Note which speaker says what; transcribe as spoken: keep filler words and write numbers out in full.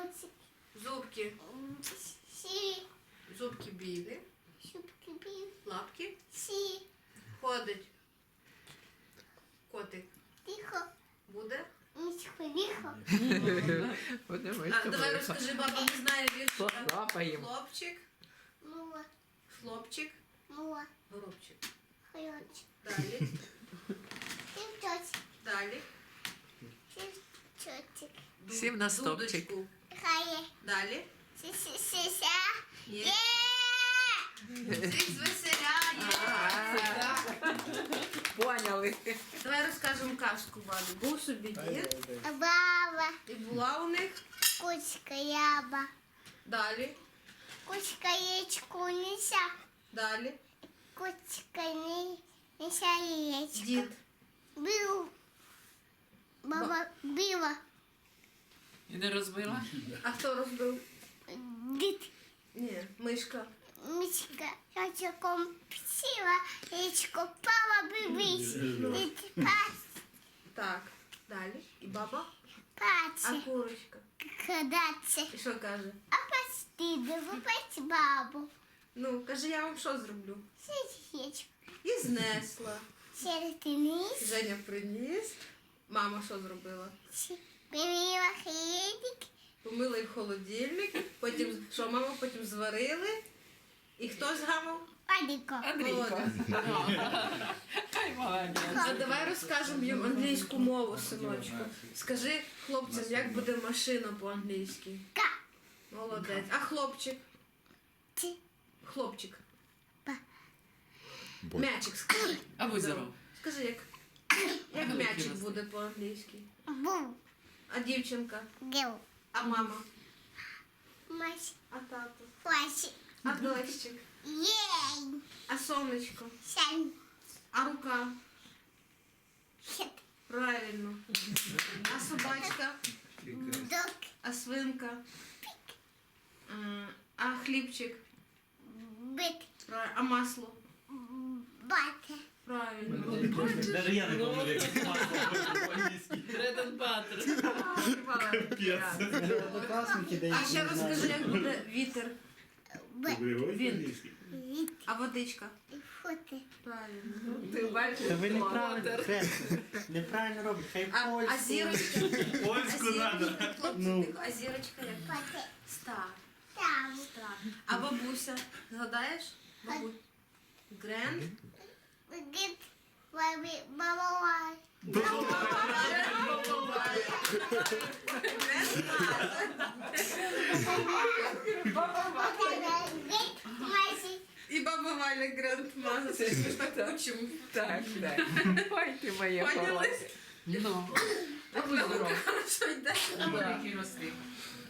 Speaker 1: Носик.
Speaker 2: Зубки.
Speaker 1: Сі.
Speaker 2: Зубки білі.
Speaker 1: Шубки білі.
Speaker 2: Лапки.
Speaker 1: Сі.
Speaker 2: Ходить. Котик.
Speaker 1: Тихо.
Speaker 2: Буде.
Speaker 1: Мішко, ліхо.
Speaker 3: Буде
Speaker 2: А,
Speaker 3: мишка
Speaker 2: давай
Speaker 3: велика.
Speaker 2: розкажи, баба не знає віршика.
Speaker 3: Лапаємо.
Speaker 2: Хлопчик.
Speaker 1: Мула.
Speaker 2: Хлопчик.
Speaker 1: Мула.
Speaker 2: Горобчик.
Speaker 1: Хайоч.
Speaker 2: Далі.
Speaker 1: Тівчоч.
Speaker 2: Далі.
Speaker 1: Тівчотик.
Speaker 2: Ду-
Speaker 3: Сів на стовпчик.
Speaker 2: дудочку.
Speaker 1: Хає.
Speaker 2: Далі.
Speaker 1: Сі-сі-сі-ся.
Speaker 2: Є.
Speaker 1: Є.
Speaker 2: Всіх звеселяє.
Speaker 3: Поняли.
Speaker 2: Давай розкажемо казку бабі. Був собі дід,
Speaker 1: Баба.
Speaker 2: і була у них.
Speaker 1: Кучка яба.
Speaker 2: Далі.
Speaker 1: Кучка яєчку неся.
Speaker 2: Далі.
Speaker 1: Кучка не неся яєчко.
Speaker 2: Дід.
Speaker 1: Бив. Баба била.
Speaker 3: І не розбила?
Speaker 2: А хто розбив?
Speaker 1: Дід.
Speaker 2: Ні, мишка.
Speaker 1: Мічка яйчиком псила, яєчко пала бивись. Дід пас.
Speaker 2: Так. Далі. І баба. А
Speaker 1: Паче.
Speaker 2: курочка.
Speaker 1: Кадаться.
Speaker 2: І що каже?
Speaker 1: А пасти випить бабу.
Speaker 2: Ну, каже, я вам що зроблю?
Speaker 1: Сидячку.
Speaker 2: І знесла.
Speaker 1: Середиnis.
Speaker 2: Женя приніс. Мама що зробила?
Speaker 1: Помила хлібик.
Speaker 2: Помила і в холодильник. Потім, що мама потім зварили. І хто згамав?
Speaker 1: Падіко.
Speaker 2: Володя.
Speaker 3: Ай, молодець.
Speaker 2: А давай розкажемо їм англійську мову, синочку. Скажи хлопцям, як буде машина по-англійськи.
Speaker 1: Ка.
Speaker 2: Молодець. А хлопчик?
Speaker 1: Ті.
Speaker 2: Хлопчик.
Speaker 1: Па.
Speaker 2: М'ячик скажи.
Speaker 3: А ви здоров.
Speaker 2: Скажи, як, як м'ячик буде по-англійськи.
Speaker 1: Бу.
Speaker 2: А дівчинка?
Speaker 1: Гел.
Speaker 2: А мама?
Speaker 1: Мась.
Speaker 2: А тато?
Speaker 1: Плащ.
Speaker 2: А дощик?
Speaker 1: Єй.
Speaker 2: А сонечко?
Speaker 1: Сань.
Speaker 2: А рука?
Speaker 1: Хет.
Speaker 2: Правильно. А собачка?
Speaker 1: Док.
Speaker 2: А свинка? М, А хлібчик?
Speaker 1: Бит.
Speaker 2: Правильно. А масло?
Speaker 1: Бате.
Speaker 2: Правильно.
Speaker 4: Даже я не помню, як масло по-англійськи.
Speaker 3: Bread and butter.
Speaker 5: Однокласники, де
Speaker 2: А ще розкажи, як буде вітер.
Speaker 1: Б.
Speaker 2: Він.
Speaker 1: Віт.
Speaker 2: А водичка?
Speaker 1: Фути.
Speaker 2: Правильно.
Speaker 3: Ти бачиш?
Speaker 5: Та ви неправильно, Хрест, неправильно робите. Хай
Speaker 2: А, а
Speaker 5: польську.
Speaker 2: зірочка?
Speaker 4: Польську
Speaker 2: А
Speaker 4: надо.
Speaker 2: зірочка, хлопці,
Speaker 5: Ну.
Speaker 2: тихо, а зірочка як?
Speaker 1: Бате.
Speaker 2: Стар.
Speaker 1: Там.
Speaker 2: Стар. А бабуся? Згадаєш? Бабуся. Гренд?
Speaker 1: Гід. Бабі. Баба. Гід. Масі.
Speaker 2: І баба Валя Грандмаза. Це ж ми ж так учимо.
Speaker 3: Так, так. Ой, ти моя
Speaker 2: Поняли?
Speaker 3: хороша. Ну.
Speaker 2: А ви хорошо йде.
Speaker 3: А великий росли.